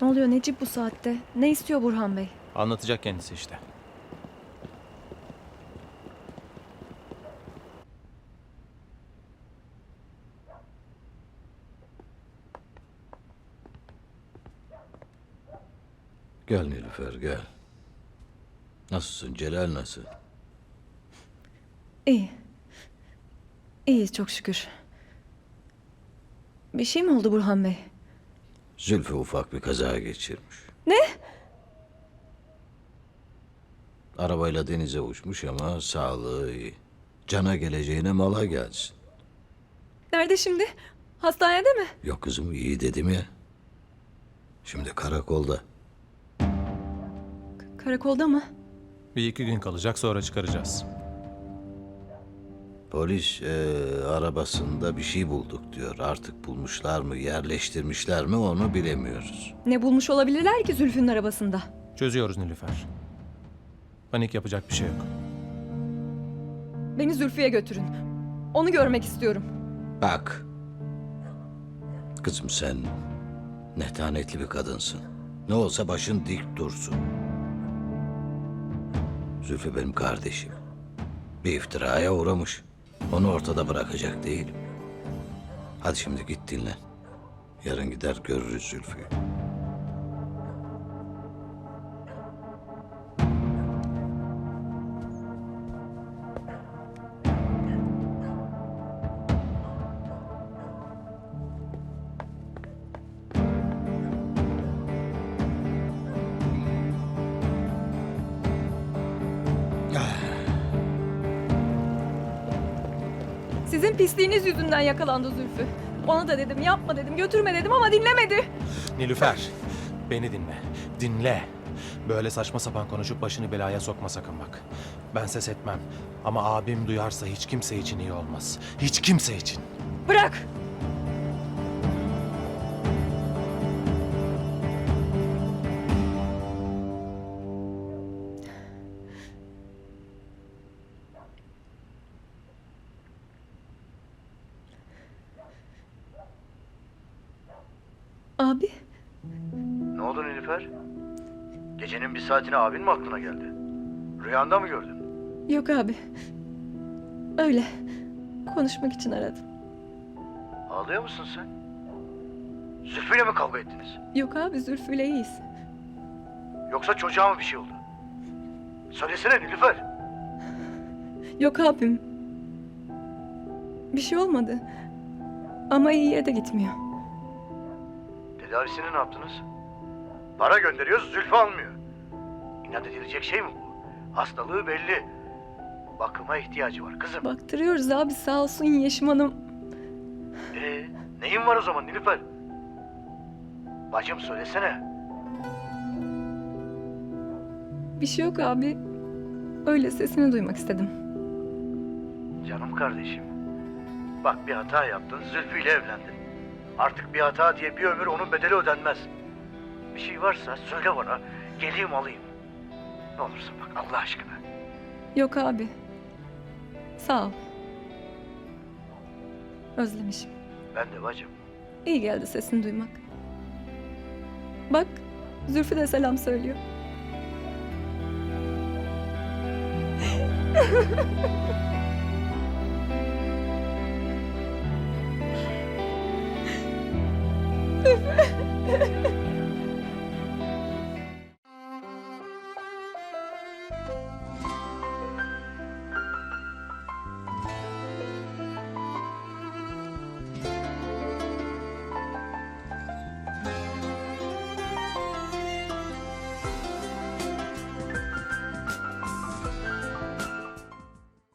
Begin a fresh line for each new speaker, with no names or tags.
Ne oluyor Necip bu saatte? Ne istiyor Burhan Bey?
Anlatacak kendisi işte.
Gel Nilüfer gel. Nasılsın? Celal nasıl?
İyi. İyi çok şükür. Bir şey mi oldu Burhan Bey?
Zülfü ufak bir kaza geçirmiş.
Ne?
Arabayla denize uçmuş ama sağlığı iyi. Cana geleceğine mala gelsin.
Nerede şimdi? Hastanede mi?
Yok kızım iyi dedim ya. Şimdi karakolda.
Karakolda mı?
Bir iki gün kalacak, sonra çıkaracağız.
Polis arabasında bir şey bulduk diyor. Artık bulmuşlar mı, yerleştirmişler mi onu bilemiyoruz.
Ne bulmuş olabilirler ki Zülfü'nün arabasında?
Çözüyoruz Nilüfer. Panik yapacak bir şey yok.
Beni Zülfü'ye götürün. Onu görmek istiyorum.
Bak. Kızım sen netanetli bir kadınsın. Ne olsa başın dik dursun. Zülfü benim kardeşim. Bir iftiraya uğramış. Onu ortada bırakacak değilim. Hadi şimdi git dinlen. Yarın gider görürüz Zülfü'yü.
Sizin pisliğiniz yüzünden yakalandı Zülfü. Ona da dedim yapma dedim götürme dedim ama dinlemedi.
Nilüfer, beni dinle. Dinle. Böyle saçma sapan konuşup başını belaya sokma sakın bak. Ben ses etmem. Ama abim duyarsa hiç kimse için iyi olmaz. Hiç kimse için.
Bırak. Abi.
Ne oldu Nilüfer? Gecenin bir saatine abin mi aklına geldi? Rüyanda mı gördün?
Yok abi. Öyle. Konuşmak için aradım.
Ağlıyor musun sen? Zülfü'yle mi kavga ettiniz?
Yok abi Zülfü'yle iyiyiz.
Yoksa çocuğa mı bir şey oldu? Söylesene Nilüfer.
Yok abim. Bir şey olmadı. Ama iyiye de gitmiyor.
Tedavisini ne yaptınız? Para gönderiyoruz, Zülfü almıyor. İnat edilecek şey mi bu? Hastalığı belli. Bakıma ihtiyacı var kızım.
Baktırıyoruz abi sağ olsun Yeşim Hanım.
Neyin var o zaman Nilüfer? Bacım söylesene.
Bir şey yok abi. Öyle sesini duymak istedim.
Canım kardeşim. Bak bir hata yaptın, Zülfü ile evlendin. Artık bir hata diye bir ömür onun bedeli ödenmez. Bir şey varsa söyle bana, geleyim alayım. Ne olursun bak Allah aşkına.
Yok abi. Sağ ol. Özlemişim.
Ben de bacım.
İyi geldi sesini duymak. Bak Zülfü de selam söylüyor. Zülfü.